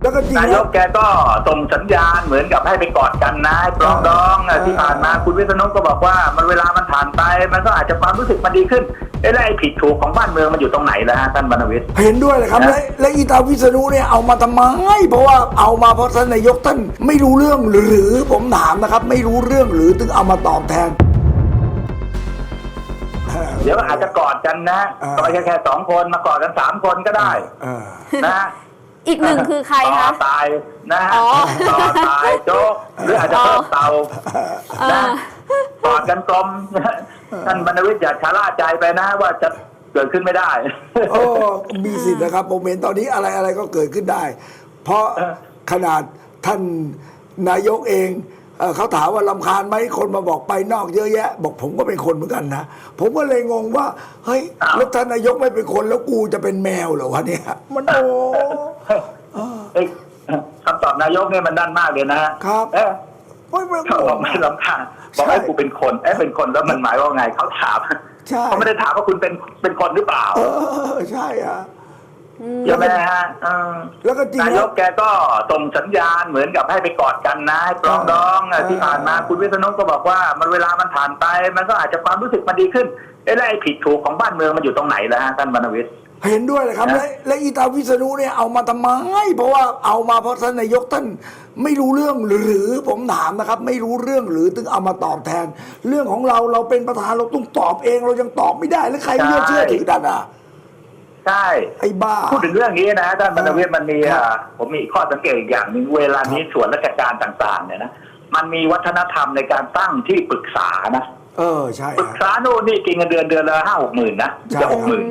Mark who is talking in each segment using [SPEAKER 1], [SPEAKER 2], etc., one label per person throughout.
[SPEAKER 1] แล้วก็จริง
[SPEAKER 2] นายกแกก็ส่งสัญญาณเหมือนกับให้ไปกอดกันนะปรองดองที่ผ่านมาคุณวิษณุก็บอกว่ามันเวลามันผ่านไปมันก็อาจจะความรู้สึกมันดีขึ้นแล้วไอ้ผิดถูกของบ้านเมืองมันอยู่ตรงไหนแล้วฮะท่านบรรณวิทย์
[SPEAKER 1] เห็นด้วยเลยครับและอีตาวิษณุเนี่ยเอามาทำไมเพราะว่าเอามาเพราะท่านนายกท่านไม่รู้เรื่องหรือผมถามนะครับ ไม่รู้เรื่องหรือถึงเอามาตอบแทน
[SPEAKER 2] เดี๋ยวอาจจะกอดกันนะก็ไม่ใช่แค่2 คนมากอดกัน3 คนก็ได้นะ
[SPEAKER 3] อีกหนึ่งคือใครคะ
[SPEAKER 2] ต่อตายนะฮะ
[SPEAKER 3] อ๋อ
[SPEAKER 2] ต่อตายโจ๊กหรืออาจจะเพิ่มเตานะกอดกันกลมท่านบรรณวิทย์อย่าชะล่าใจไปนะว่าจะเกิดขึ้นไม่ได้
[SPEAKER 1] โอ้มีสิทธิ์นะครับผมเห็นตอนนี้อะไรก็เกิดขึ้นได้ เพราะขนาดท่านนายกเองเขาถามว่ารำคาญไหมคนมาบอกไปนอกเยอะแยะ บอกผมก็เป็นคนเหมือนกันนะผมก็เลยงงว่าเฮ้ยแล้วท่านนายกไม่เป็นคนแล้วกูจะเป็นแมวเหรอวะเนี่ยมันโอ้
[SPEAKER 2] คำตอบนายกเนี่ยมันด้านมากเลยนะครับเขาบอกไม่รำคาญบอกให้กูเป็นคนเป็นคนแล้วมันหมายว่าไงเขาถามเขาไม่ได้ถามว่าคุณเป็นคนหรือเปล่า
[SPEAKER 1] ใช่อ่ะ
[SPEAKER 2] ใช่ไหมฮะ
[SPEAKER 1] แล้วก็จริง
[SPEAKER 2] นายกแกก็ส่งสัญญาณเหมือนกับให้ไปกอดกันนะให้ปรองดองที่ผ่านมาคุณวิษณุก็บอกว่ามันเวลามันผ่านไปมันก็อาจจะความรู้สึกมันดีขึ้นแล้วไอ้ผิดถูกของบ้านเมืองมันอยู่ตรงไหนแล้วฮะท่านบรรณวิทย์
[SPEAKER 1] เห็นด้วยเลยครับและอีตาวิษณุเนี่ยเอามาทำไมเพราะว่าเอามาเพราะท่านนายกท่านไม่รู้เรื่องหรือผมถามนะครับ ไม่รู้เรื่องหรือถึงเอามาตอบแทน เรื่องของเราเป็นประธานเราต้องตอบเองเรายังตอบไม่ได้แล้วใครเชื่อถือดันอ่ะ
[SPEAKER 2] ใช่
[SPEAKER 1] ไอ้บ้า
[SPEAKER 2] พูดถึงเรื่องนี้นะท่านบรรณวิทย์มันมีผมมีข้อสังเกตอีกอย่างหนึ่งเวลานี้ส่วนราชการต่างๆเนี่ยนะมันมีวัฒนธรรมในการตั้งที่ปรึกษานะ
[SPEAKER 1] ใช่
[SPEAKER 2] ปรึกษาโน่นนี่กินเงินเดือนละ5-6 หมื่นนะจะ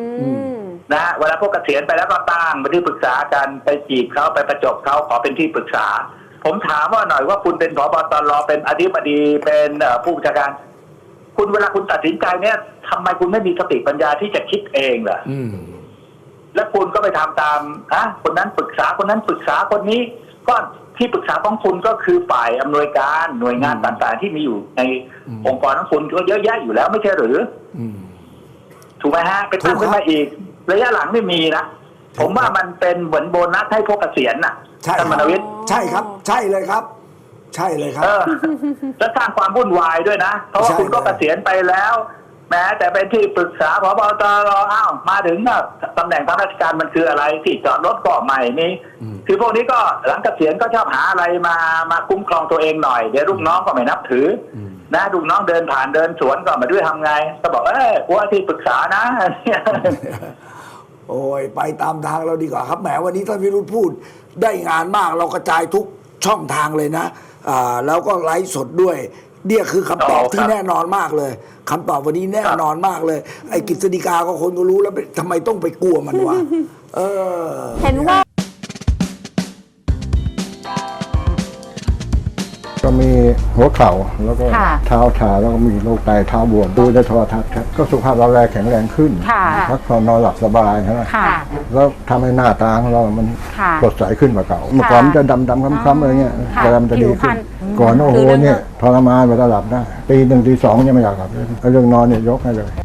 [SPEAKER 2] 60,000นะเวลาพวกเกษียณไปแล้วก็ตั้งเป็นที่ปรึกษากันไปจีบเขาไปประจบเขาขอเป็นที่ปรึกษาผมถามว่าหน่อยว่าคุณเป็นผบ.ตร.เป็นอธิบดีเป็นผู้บัญชาการคุณเวลาคุณตัดสินใจเนี่ยทำไมคุณไม่มีสติปัญญาที่จะคิดเองล่ะแล้วคุณก็ไปทำตามคนนั้นปรึกษาคนนั้นปรึกษาคนนี้ก็ที่ปรึกษาของคุณก็คือฝ่ายอำนวยการหน่วยงานต่างๆที่มีอยู่ในองค์กรของคุณก็เยอะแยะอยู่แล้วไม่ใช่หรือถูกไหมฮะไปตั้งขึ้นมาอีกระยะหลังไม่มีนะผมว่ามันเป็นเหมือนโบนัสให้พวกเกษียณน่ะท่านมนวิทย์
[SPEAKER 1] ใช่ครับใช่เลยครับใช่เลยครับ
[SPEAKER 2] แล้วสร้างความวุ่นวายด้วยนะเพราะว่าคุณก็เกษียณไปแล้วแม้แต่เป็นที่ปรึกษาผบ.ตร.มาถึงตำแหน่งทางราชการมันคืออะไรที่จอดรถก็ใหม่นี้คือพวกนี้ก็หลังเกษียณก็ชอบหาอะไรมาคุ้มครองตัวเองหน่อยเดี๋ยวลูกน้องก็ไม่นับถือนะลูกน้องเดินผ่านเดินสวนก็มาด้วยทำไงก็บอกว่าที่ปรึกษานะ
[SPEAKER 1] โอ้ยไปตามทางเราดีกว่าครับแหมวันนี้ท่านวิรุธพูดได้งานมากเรากระจายทุกช่องทางเลยนะแล้วก็ไลฟ์สดด้วยเนี่ยคือคำตอบที่แน่นอนมากเลยคำตอบวันนี้แน่นอนมากเลยไอ้กฤษฎีกาก็คนก็รู้แล้วทำไมต้องไปกลัวมันวะ
[SPEAKER 3] เห็นว่า
[SPEAKER 4] ก็มีหัวเข่าแล้วก็เท้าชาแล้วก็มีโรคไตเท้าบวมดูในโทรทัศน์ครับก็สุขภาพเราแข็งแรงขึ้นพักผ่อนนอนหลับสบายใช่ไหมแล้วทำให้หน้าตาของเรามันสดใสขึ้นกว่าเก่าเมื่อก่อนมันจะดำคล้ำๆอะไรเงี้ยแต่มันจะดีขึ้นก่อนโอ้โหเนี่ยทรมานเวลาหลับได้ตี 1 ตี 2ยังไม่อยากหลับเลยเรื่องนอนเนี่ยยกให้เลย